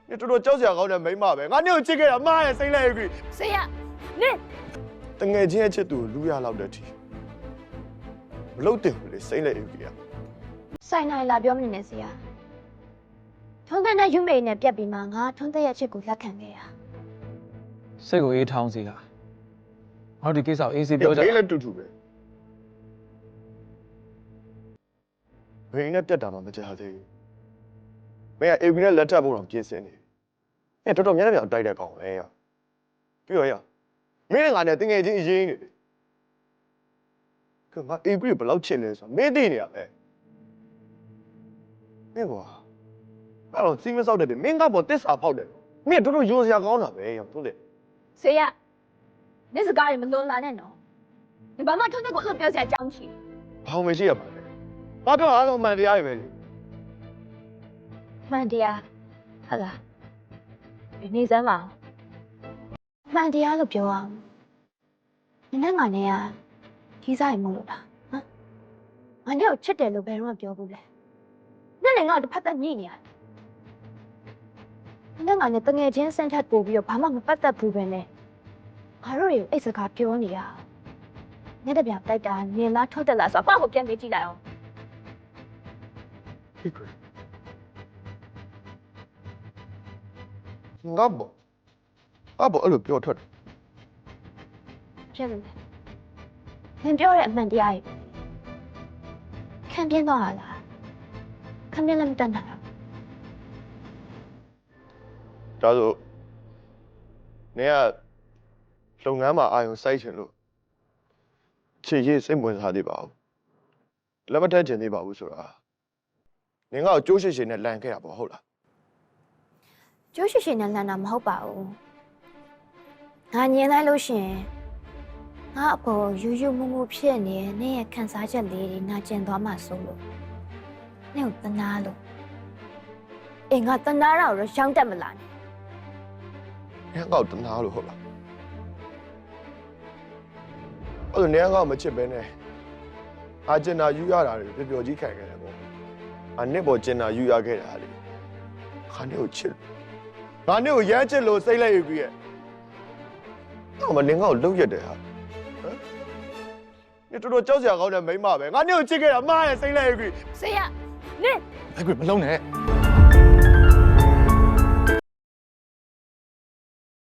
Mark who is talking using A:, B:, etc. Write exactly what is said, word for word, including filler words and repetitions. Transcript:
A: 你这都脚下搞点没嘛呗？俺娘这个人妈呀，谁来一个？
B: 谁呀？你
A: 等眼睛吃都路亚老得提，老得不嘞，谁来一个呀？
B: ဆိုင်နိုင်လာပြောမနေနဲ့ဆရာထွန်းတဲ့နဲ့ယူမေနဲ့ပြက်ပြီးမှငါထွန်းတဲ့ရဲ့အချက်ကိုလက်ခံခဲ့ရ
C: စိတ်ကိုအေးထောင်းစီလားငါတို့ဒီကိစ္စကိုအေးစေးပြောကြ
A: 没来တူတူပဲဘယ်နဲ့ပြတ်တာမှမကြသေးဘူးမင်းကအေဗီနဲ့လက်ထပ်ဖို့တော့ပြင်ဆင်နေပြီမင်းတော်တော်များများတိုက်တဲ့ကောင်လဲရပြီးတော့ရမင်းနဲ့ငါနဲ့တငယ်ချင်းအရင်နေတယ်ကငါအေဗီဘယ်လောက်ချစ်လဲဆိုတော့မင်းသိနေရပဲမင်းကွာအဲ့တော့စီးမဆောက်တဲ့မင်းကပေါ်တစ္ဆာဖောက်တယ်မင်းတော်တော်ယုံစရာကောင်းတာပဲရောဟုတ်တယ်
B: ဆေးရနေစကားတွေမလွန်လာနဲ့နော်ဒီဘာမှထွန်းတဲ့ကိုအဲ့လိုပြောစရာအကြောင်းရှိ
A: ဘာမှမရှိရပါနဲ့ဘာပြောအားလုံးမှန်တရားတွေပဲ
B: မှန်တရားဟုတ်လားဒီနေစမ်းပါမှန်တရားလို့ပြောအောင်နင်းနဲ့ငါနဲ့ကကြီးစားရင်မလို့လားဟမ်ငါနဲ့ကိုချစ်တယ်လို့ဘယ်တော့မှပြောဘူးလဲနဲ့လည်းငါ့ကိုတစ်ဖက်သက်ညှိနေရတယ်နင်းငါနဲ့တငယ်ချင်းဆန့်ထပ်ပို့ပြီးတော့ဘာမှမပတ်သက်ဘူးပဲနဲ့ငါတို့တွေအိတ်စကားပြောနေရနဲ့တပြားတိုက်တာနင်လားထွက်တယ်လားဆိုတော့ကိုပြန်မေးကြည့်လိုက်အောင်
A: ဖြစ်တယ်ငါဘောအဘောအဲ့လိုပြောထွက်တယ်
B: ဖြစ်နေတယ်နင်ပြောတဲ့အမှန်တရားကြီးခံပြင်းသွားတာလားခံပြင်းလည်းမတတ်နိုင်ဘူး
A: ဒါဆိုနေကလုပ်ငန်းမှာအာရုံစိုက်ချင်လို့ခြေရည်စိတ်ဝင်စားသေးပါဘူးလက်မထက်ချင်သေးပါဘူးဆိုတာနင်ကကြိုးရှိရှိနဲ့လန်ခဲ့တာပေါ့ဟုတ်လား
B: ကျိုးရှိရှိနဲ့လန်တာမဟုတ်ပါဘူးငါညင်လိုက်လို့ရှင်ငါအပေါ်ယူယူမူမူဖြစ်နေနေရဲ့ခံစားချက်လေးတွေနာကျင်သွားမှဆိုလို့နေကိုတနာလို့အေးငါတနာတော့ရောင်းတတ်မလား
A: နင်ကောက်တနာလို့ဟုတ်လားအဲ့လိုနင်ကောက်မချစ်ပဲနဲ့အာကျင်နာယူရတာတွေပျော်ပျော်ကြီးခံခဲ့တယ်ပေါ့အနစ်ပေါ်ကျင်နာယူရခဲ့တာလေခါနေကိုချစ်ငါနေကိုရမ်းချစ်လို့စိတ်လိုက်ယူပြီးရဲ့တော့မနင်ကောက်လုံရက်တယ်ဟာဟမ်你တော်တော်ကြောက်စရာကောင်းတဲ့မိန်းမပဲငါနေကိုချစ်ခဲ့တာမားရဲ့စိတ်လိုက်ယူပြီး
B: ဆေးရနေ
C: အဲ့ကွမလုံးနဲ့